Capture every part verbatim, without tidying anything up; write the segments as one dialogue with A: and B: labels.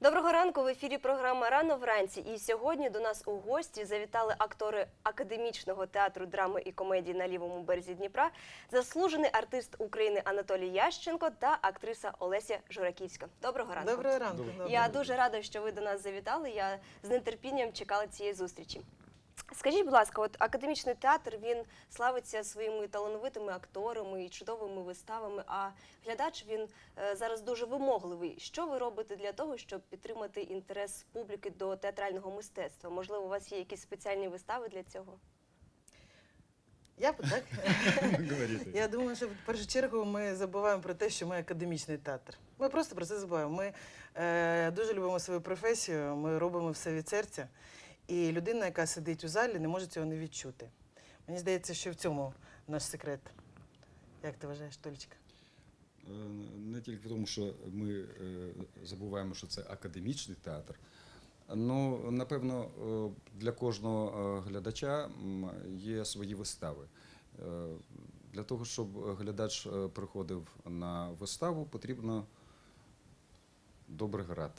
A: Доброго ранку, в ефірі програма «Рано вранці». І сьогодні до нас у гості завітали актори Академічного театру драми і комедії на лівому березі Дніпра, заслужений артист України Анатолій Ященко та актриса Олеся Жураківська. Доброго ранку.
B: Доброго ранку.
A: Доброго. Я дуже рада, що ви до нас завітали. Я з нетерпінням чекала цієї зустрічі. Скажіть, будь ласка, от Академічний театр, він славиться своїми талановитими акторами і чудовими виставами, а глядач, він е, зараз дуже вимогливий. Що ви робите для того, щоб підтримати інтерес публіки до театрального мистецтва? Можливо, у вас є якісь спеціальні вистави для цього?
B: Я так? Я думаю, що в першу чергу ми забуваємо про те, що ми академічний театр. Ми просто про це забуваємо. Ми е, дуже любимо свою професію, ми робимо все від серця. І людина, яка сидить у залі, не може цього не відчути. Мені здається, що в цьому наш секрет. Як ти вважаєш, Толічка?
C: Не тільки в тому, що ми забуваємо, що це академічний театр. Ну, напевно, для кожного глядача є свої вистави. Для того, щоб глядач приходив на виставу, потрібно добре грати.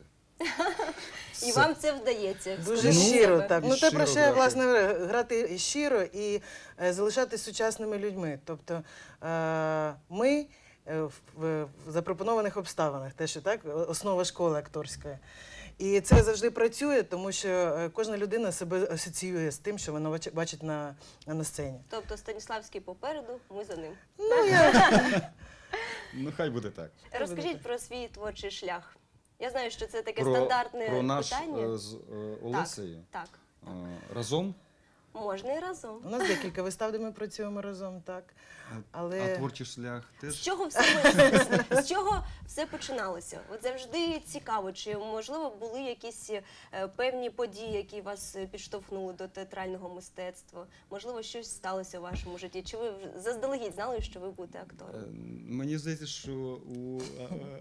A: І вам це вдається?
B: Дуже щиро, так. Ну, те, про що я, власне, грати щиро і залишатись сучасними людьми. Тобто ми в запропонованих обставинах, те, що так, основа школи акторської. І це завжди працює, тому що кожна людина себе асоціює з тим, що вона бачить на, на сцені.
A: Тобто Станіславський попереду, ми за ним.
B: Ну, я...
C: ну хай буде так.
A: Розкажіть про свій творчий шлях. Я знаю, що це таке
C: про,
A: стандартне
C: про наш,
A: питання.
C: Е, з е, Олесею?
A: Так, так.
C: Е, разом?
A: Можна і разом.
B: У нас декілька вистав, де ми працюємо разом, так.
C: Але... А творчий шлях теж?
A: З чого все, з чого все починалося? От завжди цікаво, чи, можливо, були якісь е, певні події, які вас підштовхнули до театрального мистецтва? Можливо, щось сталося у вашому житті? Чи ви заздалегідь знали, що ви будете актором?
C: Е, мені здається, що у е,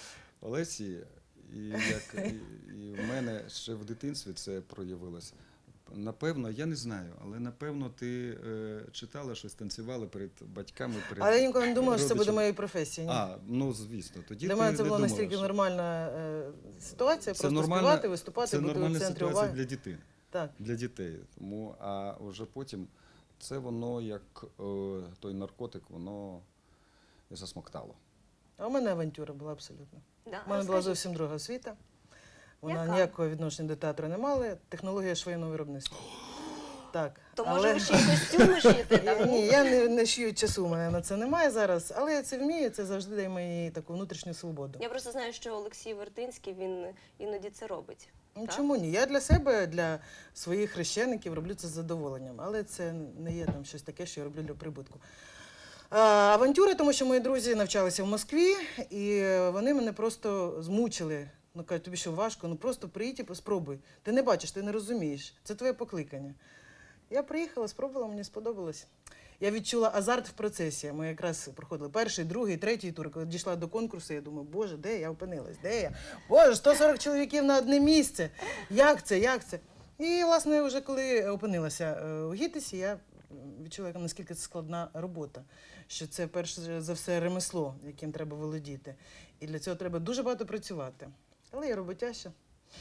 C: Олесі і, як, і, і в мене ще в дитинстві це проявилося. Напевно, я не знаю, але напевно ти е, читала щось, танцювала перед батьками, перед
B: Але я ніколи не думала, що це буде
C: родичами.
B: моєю професією.
C: А, ну звісно, тоді
B: Для
C: ти
B: мене це
C: не
B: була
C: думала,
B: настільки
C: що...
B: нормальна е, ситуація,
C: Це
B: просто
C: нормальна,
B: співати, виступати,
C: це
B: бути в
C: нормальна
B: центрі
C: ситуація
B: уваги.
C: для дітей.
B: Так.
C: Для дітей. Тому, а вже потім це воно, як е, той наркотик, воно засмоктало.
B: А у мене авантюра була абсолютно.
A: Да,
B: У мене була
A: розкажіть.
B: зовсім друга освіта. Вона
A: Яка?
B: ніякого відношення до театру не мала. Технологія швейного виробництва. Так.
A: То
B: але-
A: може ви ще й костюми шиєте? так?
B: Ні, я не, не шию часу, у мене на це немає зараз, але я це вмію, це завжди дає мені таку внутрішню свободу.
A: Я просто знаю, що Олексій Вертинський, він іноді це робить.
B: Ну,
A: так?
B: чому ні? Я для себе, для своїх хрещеників роблю це з задоволенням, але це не є там щось таке, що я роблю для прибутку. А, авантюри, тому що мої друзі навчалися в Москві, і вони мене просто змучили. Ну, кажуть, тобі що важко? Ну просто приїдь і спробуй. Ти не бачиш, ти не розумієш. Це твоє покликання. Я приїхала, спробувала, мені сподобалось. Я відчула азарт в процесі. Ми якраз проходили перший, другий, третій тур. Коли дійшла до конкурсу, я думаю, боже, де я опинилась? Де я? Боже, сто сорок чоловіків на одне місце. Як це, як це? І, власне, вже коли опинилася у ГІТИСі, я відчула, наскільки це складна робота. Що це, перш за все, ремесло, яким треба володіти. І для цього треба дуже багато працювати. Але я роботяща.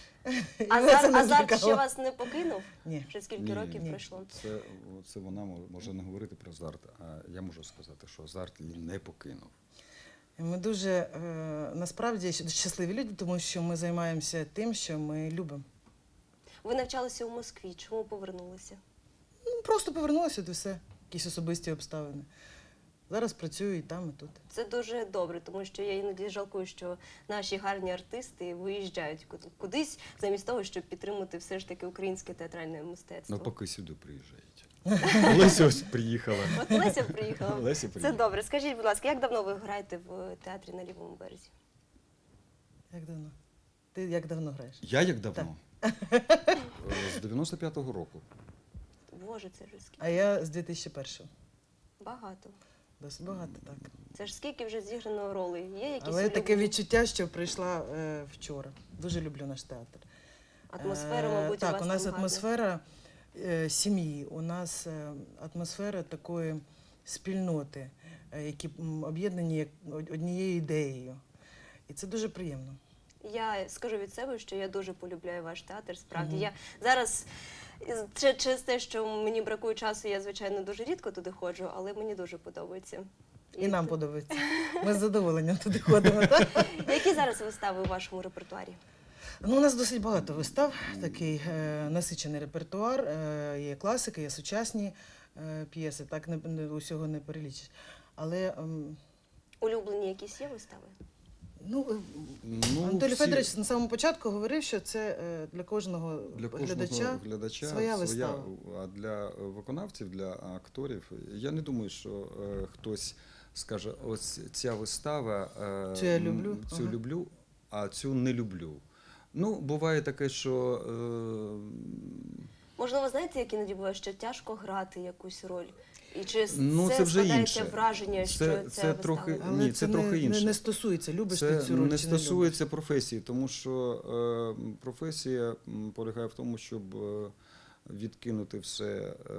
A: Азарт, азарт ще вас не покинув?
B: Ні.
A: Вже скільки
C: Ні,
A: років
C: ні.
A: пройшло?
C: Це, це вона може не говорити про азарт, а я можу сказати, що азарт її не покинув.
B: Ми дуже, е, насправді, щасливі люди, тому що ми займаємося тим, що ми любимо.
A: Ви навчалися у Москві, чому повернулися?
B: Ну, просто повернулася до все, якісь особисті обставини. Зараз працюю і там, і тут.
A: Це дуже добре, тому що я іноді жалкую, що наші гарні артисти виїжджають кудись, замість того, щоб підтримати все ж таки українське театральне мистецтво.
C: Ну, поки сюди приїжджають. Олеся ось приїхала.
A: От Леся приїхала.
C: Леся
A: Це
C: приїхала.
A: добре. Скажіть, будь ласка, як давно ви граєте в театрі на лівому березі?
B: Як давно? Ти як давно граєш?
C: Я як давно? З дев'яносто п'ятого року.
A: Боже, це ж скільки?
B: А я з дві тисячі першого.
A: Багато.
B: Досить багато, так.
A: Це ж скільки вже зіграно ролей? Є якісь
B: Але таке
A: улюблені?
B: відчуття, що прийшла е, вчора. Дуже люблю наш театр.
A: Атмосфера,
B: Е,
A: мабуть, у
B: так,
A: вас
B: у нас
A: там гарна.
B: атмосфера е, сім'ї, у нас е, атмосфера такої спільноти, е, які м, об'єднані як од- однією ідеєю. І це дуже приємно.
A: Я скажу від себе, що я дуже полюбляю ваш театр. Справді
B: Мгм.
A: я зараз із- чи- через те, що мені бракує часу, я звичайно дуже рідко туди ходжу, але мені дуже подобається.
B: І нам подобається. Ми з задоволенням туди ходимо. Так?
A: Які зараз вистави у вашому репертуарі?
B: Ну, у нас досить багато вистав, такий е, насичений репертуар. Е, є класика, є сучасні е, п'єси, так не, не усього не перелічиш. Але ем,
A: Улюблені якісь є вистави?
B: ну, е,
C: Ну,
B: Анатолій
C: всі-
B: Федорович на самому початку говорив, що це е, для кожного
C: Для кожного
B: глядача.
C: глядача
B: своя вистава.
C: а для виконавців, для акторів, я не думаю, що е, хтось скаже, ось ця вистава, е,
B: Цю я люблю,
C: м, цю
B: ага.
C: люблю, а цю не люблю. Ну, буває таке, що е,
A: Можливо, знаєте, як іноді буває, що тяжко грати якусь роль? І чи
C: Ну,
A: це,
C: це вже
A: складається
C: інше.
A: враження,
C: Це-
A: що
C: це
A: ця вистава?
C: трохи-
B: Але
C: Ні,
B: це,
C: це
B: не,
C: трохи
B: не,
C: інше.
B: не стосується, любиш
C: це
B: ти цю роль
C: не
B: чи не
C: стосується професії, тому що е, професія м, полягає в тому, щоб е, відкинути все е,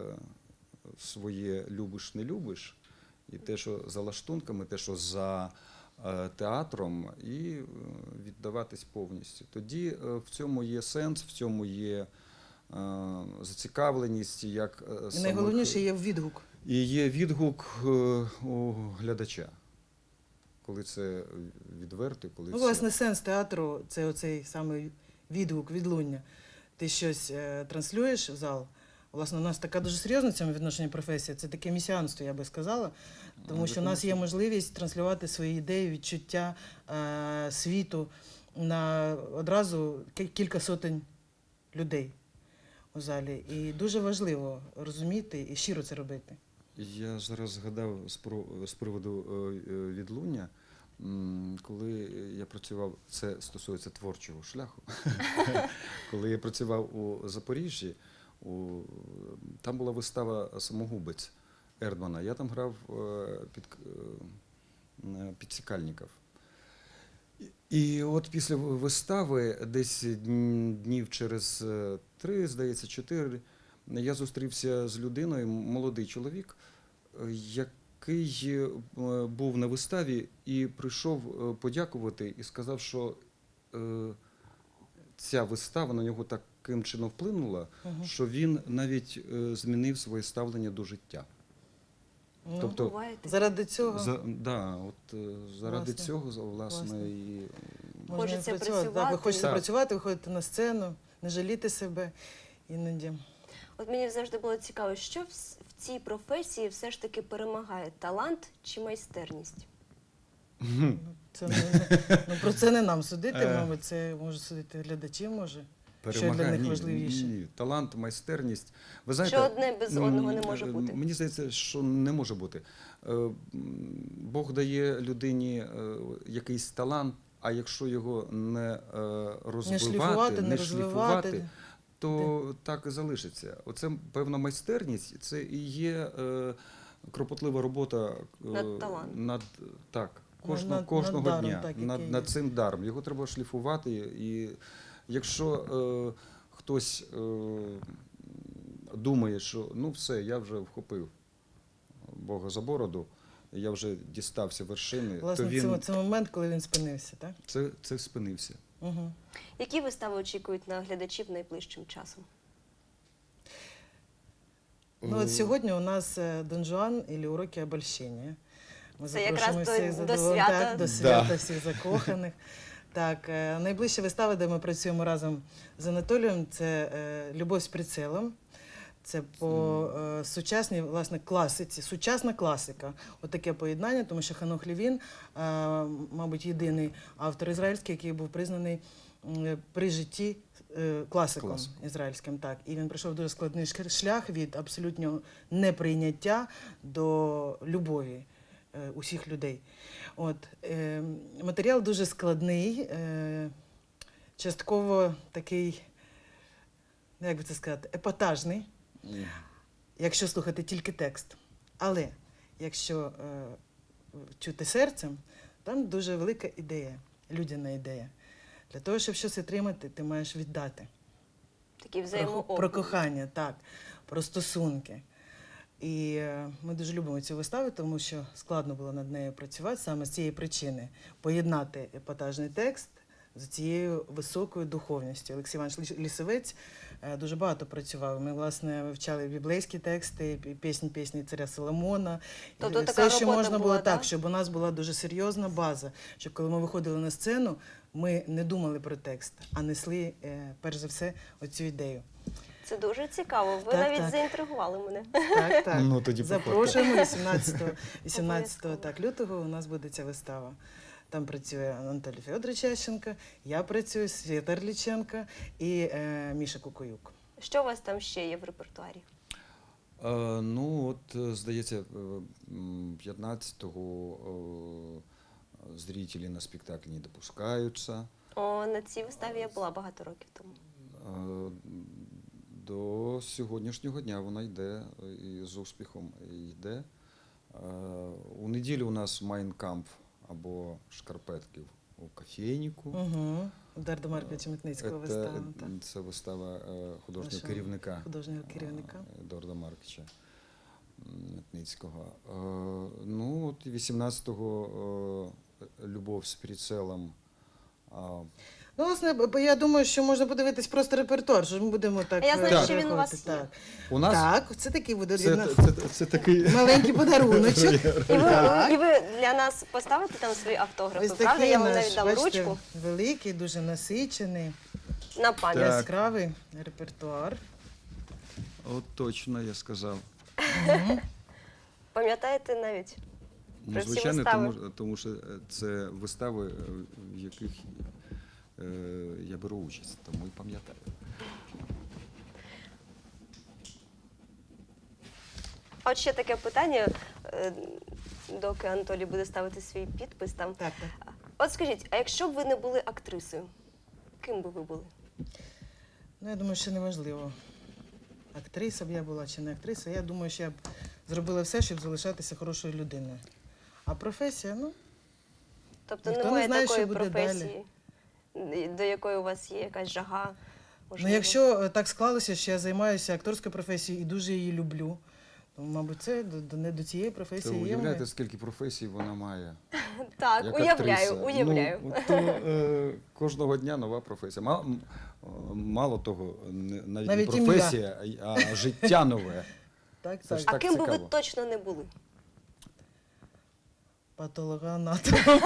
C: своє любиш, не любиш, і те, що за лаштунками, те, що за е, театром, і е, віддаватись повністю. Тоді е, в цьому є сенс, в цьому є е, зацікавленість, як е,
B: любиш. І
C: самих-
B: найголовніше є відгук.
C: і є відгук е, у глядача, коли це відверто, коли
B: Ну,
C: це...
B: власне, сенс театру це оцей самий відгук, відлуння. Ти щось е, транслюєш в зал. Власне, у нас така дуже серйозна в цьому відношенні професія. Це таке місіанство, я би сказала. Тому
C: Ну,
B: що в нас є
C: тому
B: можливість транслювати свої ідеї, відчуття е, світу на одразу ки- кілька сотень людей у залі. І дуже важливо розуміти і щиро це робити.
C: Я зараз згадав з про- з приводу е, е, відлуння, м, коли я працював, це стосується творчого шляху, коли я працював у Запоріжжі, у, там була вистава «Самогубець» Ердмана, я там грав е, під, е, підсікальників. І і от після вистави, десь дн- днів через е, три, здається, чотири, я зустрівся з людиною, молодий чоловік, е, який е, був на виставі і прийшов е, подякувати і сказав, що е, ця вистава на нього таким чином вплинула,
B: Мгм.
C: що він навіть е, змінив своє ставлення до життя.
B: Ну,
C: Тобто,
A: Буває таке?
B: заради цього
C: За, да, от, е, заради
B: Власне.
C: цього, за- власне,
B: Власне.
C: і
B: можна
A: Хочеться
B: і працювати. Так, ви
A: працювати.
B: хочете
C: Так.
B: працювати, виходити на сцену, не жаліти себе іноді.
A: От мені завжди було цікаво, що в, с- в цій професії все ж таки перемагає талант чи майстерність?
B: Ну, це не, ну, про це не нам судити,
C: Е.
B: мабуть, це можуть судити глядачі, може.
C: перемагає.
B: Що для них
C: Ні,
B: важливіше?
C: Ні, ні. Талант, майстерність. Ви знаєте,
A: Що одне без
C: м,
A: одного не може
C: е,
A: бути?
C: Мені здається, що не може бути. Е, м, Бог дає людині е, якийсь талант, а якщо його не е, розвивати,
B: Не шліфувати, не
C: не
B: розвивати.
C: шліфувати, то так і залишиться. Оце певна майстерність, це і є е, кропотлива робота е,
A: Над талантом.
C: над так,
B: Над-
C: кожного,
B: над-
C: кожного
B: над даром,
C: дня,
B: так,
C: над,
B: який
C: над
B: є.
C: цим даром. Його треба шліфувати. І якщо е, хтось е, думає, що ну все, я вже вхопив Бога за бороду, я вже дістався вершини,
B: Власне,
C: то він
B: це, це момент, коли він спинився, так?
C: це, це спинився.
B: Угу.
A: Які вистави очікують на глядачів найближчим часом?
B: Ну, от сьогодні у нас е, Дон Жуан і уроки обольщення. Ми
A: Це
B: запрошуємо
A: якраз
B: всіх
A: до- до
B: задоволен-
A: свята.
B: Так, до
C: Да.
B: свята всіх закоханих. Так, е, найближча вистава, де ми працюємо разом з Анатолієм, це е, Любов з прицелом. Це по е, сучасній, власне, класиці, сучасна класика. Отаке поєднання, тому що Ханох Левін, е, мабуть, єдиний автор ізраїльський, який був признаний м, при житті е, класиком
C: Класик.
B: ізраїльським. Так. І він пройшов дуже складний ш- шлях від абсолютного неприйняття до любові е, усіх людей. От, е, матеріал дуже складний, е, частково такий, ну, як би це сказати, епатажний,
C: І
B: якщо слухати тільки текст. Але якщо е, чути серцем, там дуже велика ідея, людяна ідея. Для того, щоб щось отримати, ти маєш віддати.
A: Такі
B: Про,
A: взаємообмін.
B: про кохання, так, про стосунки. І е, ми дуже любимо цю виставу, тому що складно було над нею працювати саме з цієї причини. Поєднати епатажний текст з цією високою духовністю. Олексій Іванович Ліс- Лісовець е, дуже багато працював. Ми, власне, вивчали біблейські тексти, пі- пісні, пісні царя Соломона.
A: Тобто
B: І
A: така
B: все, що
A: робота
B: можна
A: була,
B: було так,
A: да?
B: щоб у нас була дуже серйозна база, щоб коли ми виходили на сцену, ми не думали про текст, а несли, е, перш за все, оцю ідею.
A: Це дуже цікаво. Ви
B: Так,
A: навіть
B: так.
A: заінтригували мене.
B: Так, так.
C: Ну, тоді
B: Запрошуємо вісімнадцятого, вісімнадцятого
A: Обов'язково.
B: так, лютого у нас буде ця вистава. Там працює Анатолій Федорович Ященко, я працюю, Свята Рліченко і е, Міша Кукуюк.
A: Що у вас там ще є в репертуарі?
C: Е, ну, от, е, здається, е, м, п'ятнадцятого е, зрителі на спектакль не допускаються.
A: О, на цій виставі я була багато років тому.
C: Е, До сьогоднішнього дня вона йде е, і з успіхом йде. Е, У неділю у нас Майнкамп або Шкарпетків у кофейнику.
B: Угу. Дарда Марковича Митницького
C: Це,
B: вистава. Так.
C: це вистава е, художнього
B: Нашого
C: керівника.
B: художнього керівника.
C: е, Едуарда Марковича Митницького. Е, Ну, от і вісімнадцятого е, Любов з прицелом. А,
B: Ну, власне, б- я думаю, що можна подивитись просто репертуар, що ми будемо так.
A: А я знаю,
B: е,
C: що
A: він у вас
B: переходити.
A: є.
B: Так.
C: У нас
B: Так, це такий буде
C: це,
B: від нас
C: це, це, це такий
B: маленький подаруночок.
A: І ви,
B: Так.
A: і ви для нас поставите там свої автографи,
B: Ось
A: правда?
B: такий
A: Я вам
B: наш,
A: навіть дам
B: бачите,
A: ручку
B: великий, дуже насичений,
A: на пам'ять.
C: Так.
B: яскравий репертуар.
C: От точно я сказав.
A: Пам'ятаєте навіть?
C: Ну,
A: Про всі
C: звичайно,
A: вистави.
C: тому, тому що е, це вистави, е, в яких е, я беру участь, тому і пам'ятаю.
A: А от ще таке питання, е, доки Анатолій буде ставити свій підпис там.
B: Так, так.
A: От скажіть, а якщо б ви не були актрисою, ким би ви були?
B: Ну, я думаю, що неважливо, актриса б я була чи не актриса. Я думаю, що я б зробила все, щоб залишатися хорошою людиною. А професія, ну,
A: Тобто
B: Ніхто не
A: немає
B: знає,
A: такої
B: що буде
A: професії, до якої у вас є якась жага?
B: ну
A: можливо?
B: якщо е, так склалося, що я займаюся акторською професією і дуже її люблю, то, мабуть, це до, до, не до цієї
C: То
B: професії є.
C: уявляєте,
B: моя.
C: скільки професій вона має?
A: Так,
C: Як
A: уявляю,
C: актриса.
A: уявляю.
C: Ну, то, е, кожного дня нова професія. Мало, м, мало того, не- навіть,
B: Навіть
C: не
B: ім'я.
C: професія, а, й- а життя нове.
B: Так,
C: Це
B: так.
C: ж
A: А
C: так
A: ким би ви
C: цікаво.
A: точно не були?
B: Патологоанатом.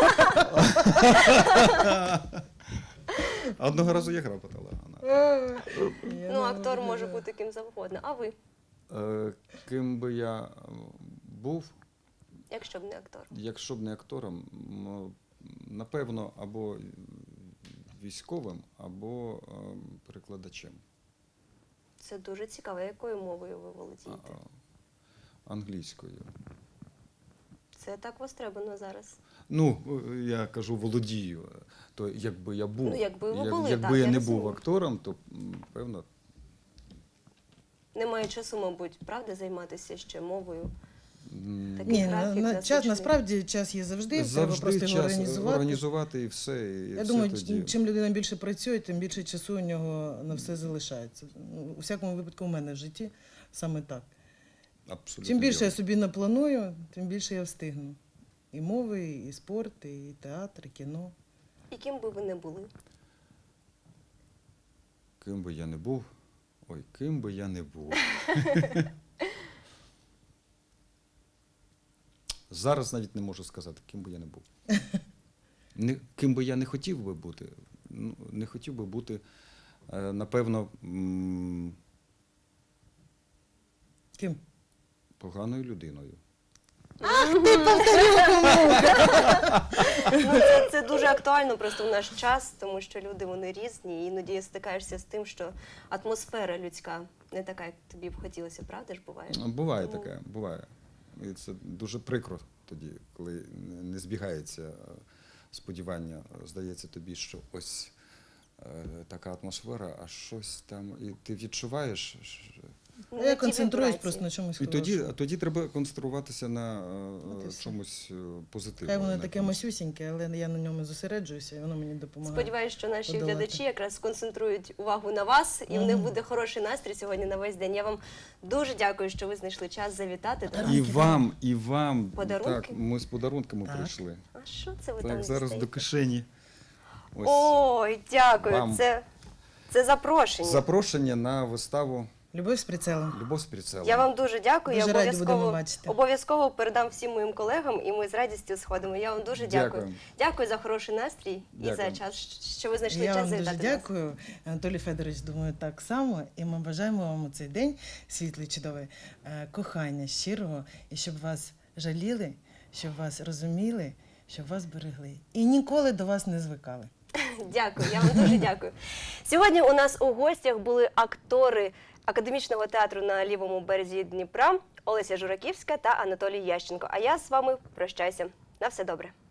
C: Одного разу я грав патологана.
A: Ну, актор може бути ким завгодно. А ви,
C: Е, Ким би я е, був,
A: якщо б не актор?
C: якщо б не актором, м, напевно, або військовим, або е, перекладачем.
A: Це дуже цікаво. Якою мовою ви
C: А,
A: володієте?
C: англійською.
A: Це так востребовано зараз.
C: Ну, е, я кажу володію. То якби я був,
A: Ну, якби ви
C: як-
A: були,
C: якби
A: так,
C: я
A: я
C: не
A: розумію.
C: був актором, то м, певно.
A: Немає часу, мабуть, правда, займатися ще мовою.
C: м,
A: Такий
B: Ні, на,
A: графік
B: на, час,
A: насичений.
B: насправді час є завжди, треба
C: Завжди
B: просто його
C: час
B: організувати.
C: організувати і все. І
B: Я
C: все
B: думаю,
C: тоді.
B: чим людина більше працює, тим більше часу у нього на все залишається. Ну, у всякому випадку у мене в житті саме так.
C: Абсолютно
B: Чим більше я
C: вірно.
B: собі напланую, тим більше я встигну. І мови, і спорт, і театр, і кіно.
A: І ким би ви не були?
C: Ким би я не був, ой, ким би я не був. Зараз навіть не можу сказати, ким би я не був. Не, ким би я не хотів би бути, ну, не хотів би бути, е, напевно, м,
B: Ким?
C: поганою людиною.
A: Ну, це, це дуже актуально просто в наш час, тому що люди вони різні, і іноді стикаєшся з тим, що атмосфера людська не така, як тобі б хотілося, правда ж буває?
C: Буває
A: Тому-
C: таке, буває. І це дуже прикро тоді, коли не- не збігається е, сподівання. Здається тобі, що ось е, така атмосфера, а щось там, і ти відчуваєш. що-
A: Не
B: Я
A: ті
B: концентруюсь
A: вібрації.
B: просто на чомусь
C: І тоді,
B: хорошому.
C: тоді треба концентруватися на е,
B: От і все.
C: чомусь е, позитивному.
B: Хай воно
C: на
B: таке
C: якомусь.
B: масюсіньке, але я на ньому зосереджуюся, і воно мені допомагає.
A: Сподіваюсь, що наші
B: подолати.
A: глядачі якраз сконцентрують увагу на вас, і в них
B: Мгм.
A: буде хороший настрій сьогодні на весь день. Я вам дуже дякую, що ви знайшли час завітати.
C: І вам, і вам.
A: Подарунки?
C: Так, ми з подарунками
B: Так.
C: прийшли.
A: А що це ви
C: Так,
A: там
C: зараз
A: дістаєте?
C: до кишені. Ось
A: Ой, дякую.
C: вам.
A: Це, це запрошення.
C: запрошення на виставу
B: Любов з прицелом.
C: Любов з прицелом.
A: Я вам дуже дякую.
B: Дуже
A: я
B: раді будемо
A: обов'язково
B: бачити.
A: обов'язково передам всім моїм колегам, і ми з радістю сходимо. Я вам дуже дякую.
C: Дякую.
A: Дякую за хороший настрій і
C: Дякую.
A: за час, що ви знайшли
B: Я
A: час
B: вам дуже
A: завітати до нас.
B: дякую. Анатолій Федорович, думаю, так само. І ми бажаємо вам у цей день світлий, чудовий, е, кохання щирого, і щоб вас жаліли, щоб вас розуміли, щоб вас берегли. І ніколи до вас не звикали.
A: Дякую, я вам дуже дякую. Сьогодні у нас у гостях були актори академічного театру на лівому березі Дніпра Олеся Жураківська та Анатолій Ященко. А я з вами прощаюся. На все добре.